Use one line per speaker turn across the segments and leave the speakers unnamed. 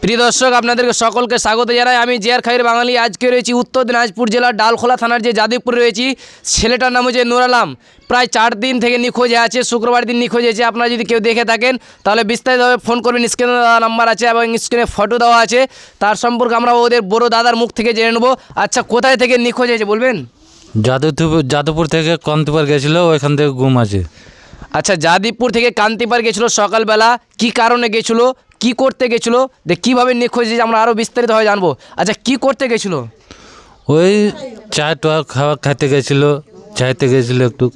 প্রিয় দর্শক, আপনাদেরকে সকলকে স্বাগত জানাই। আমি জিয়ার খাইর বাঙালি। আজকে রয়েছি উত্তর দিনাজপুর জেলার ডালখোলা থানার যে যাদবপুরে রয়েছি। ছেলেটার নাম হচ্ছে নুর আলম। প্রায় 4 দিন থেকে নিখোঁজ আছে। শুক্রবার দিন নিখোঁজ হয়েছে। আপনারা যদি কেউ দেখে থাকেন তাহলে বিস্তারিতভাবে ফোন করবেন। স্ক্রিনে দেওয়া নাম্বার আছে এবং স্ক্রিনে ফটো দেওয়া আছে। তার সম্পর্কে আমরা ওদের বড় দাদার মুখ থেকে জেনে নেবো। আচ্ছা, কোথায় থেকে নিখোঁজ হয়েছে বলবেন?
যাদবপুর থেকে কান্তিপার গেছিলো, ওইখান থেকে গুম আছে।
আচ্ছা, যাদবপুর থেকে কান্তিপার গেছিলো সকালবেলা। কি কারণে গেছিলো, কি করতে গেছিলো, কীভাবে নিখোঁজ হয়েছে আমরা আরও বিস্তারিতভাবে জানবো। আচ্ছা, কি করতে গেছিলো?
ওই চা টোয়া খাইতে গেছিলো, চাইতে গেছিলো একটু।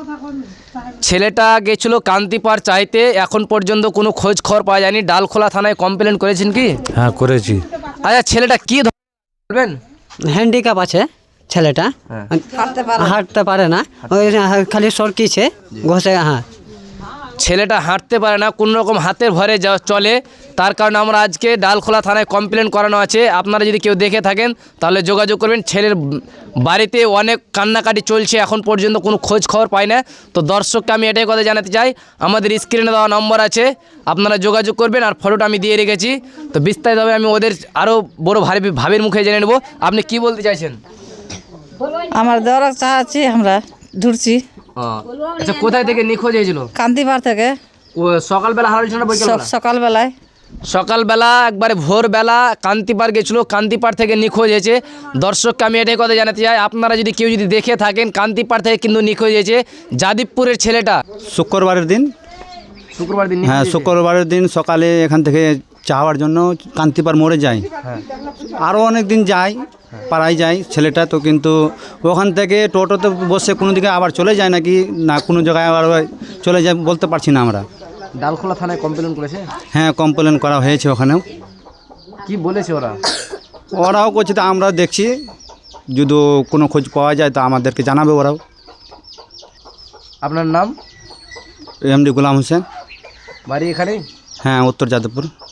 ছেলেটা গেছিলো কান্তিপার চাইতে। এখন পর্যন্ত কোনো খোঁজ খবর পাওয়া যায়নি। ডালখোলা থানায় কমপ্লেন করেছেন কি?
হ্যাঁ, করেছি।
আচ্ছা, ছেলেটা কি বলবেন?
হ্যান্ডিক্যাপ আছে ছেলেটা, হাঁটতে পারে না, ওই খালি সরকিছে ঘষে। হ্যাঁ,
ছেলেটা হাঁটতে পারে না, কোনো রকম হাতের ভরে চলে। তার কারণে আমরা আজকে ডালখোলা থানায় কমপ্লেন করানো আছে। আপনারা যদি কেউ দেখে থাকেন তাহলে যোগাযোগ করবেন। ছেলের বাড়িতে অনেক কান্নাকাটি চলছে, এখন পর্যন্ত কোনো খোঁজ খবর পাই না। তো দর্শককে আমি এটাই কথা জানাতে চাই, আমাদের স্ক্রিনে দেওয়া নম্বর আছে, আপনারা যোগাযোগ করবেন। আর ফটোটা আমি দিয়ে রেখেছি। তো বিস্তারিতভাবে আমি ওদের আরও বড় ভাবির মুখে জেনে নেব। আপনি কি বলতে চাইছেন?
আমার দেওয়ার চাচ্ছি, আমরা ঢুকছি।
আচ্ছা, কোথায় থেকে নিখোঁজ হয়েছিল?
কান্তিপার থেকে।
ও সকালবেলা হারাইছিল না বিকেলবেলা?
সকালবেলায়।
সকালবেলা একবারে ভোরবেলা কান্তিপার গেছিলো, কান্তিপার থেকে নিখোঁজ হয়েছে। দর্শককে আমি এটাই কথা জানাতে চাই, আপনারা যদি কেউ যদি দেখে থাকেন কান্তিপার থেকে কিন্তু নিখোঁজ হয়েছে যাদবপুরের ছেলেটা।
শুক্রবারের দিন, হ্যাঁ শুক্রবারের দিন সকালে এখান থেকে চাওয়ার জন্য কান্তিপার মোড়ে যাই। আরও অনেক দিন যাই, পাড়ায় যাই ছেলেটা তো, কিন্তু ওখান থেকে টোটোতে বসে কোনো দিকে আবার চলে যায় নাকি না কোনো জায়গায় আবার চলে যায় বলতে পারছি না আমরা।
ডালখোলা থানায় কমপ্লেন করেছে?
হ্যাঁ, কমপ্লেন করা হয়েছে ওখানেও।
কি বলেছে ওরা?
ওরাও করছে, তো আমরা দেখছি যদি কোনো খোঁজ পাওয়া যায় তো আমাদেরকে জানাবে ওরাও।
আপনার নাম?
এমডি গোলাম হোসেন।
বাড়ি এখানেই?
হ্যাঁ, উত্তর যাদবপুর।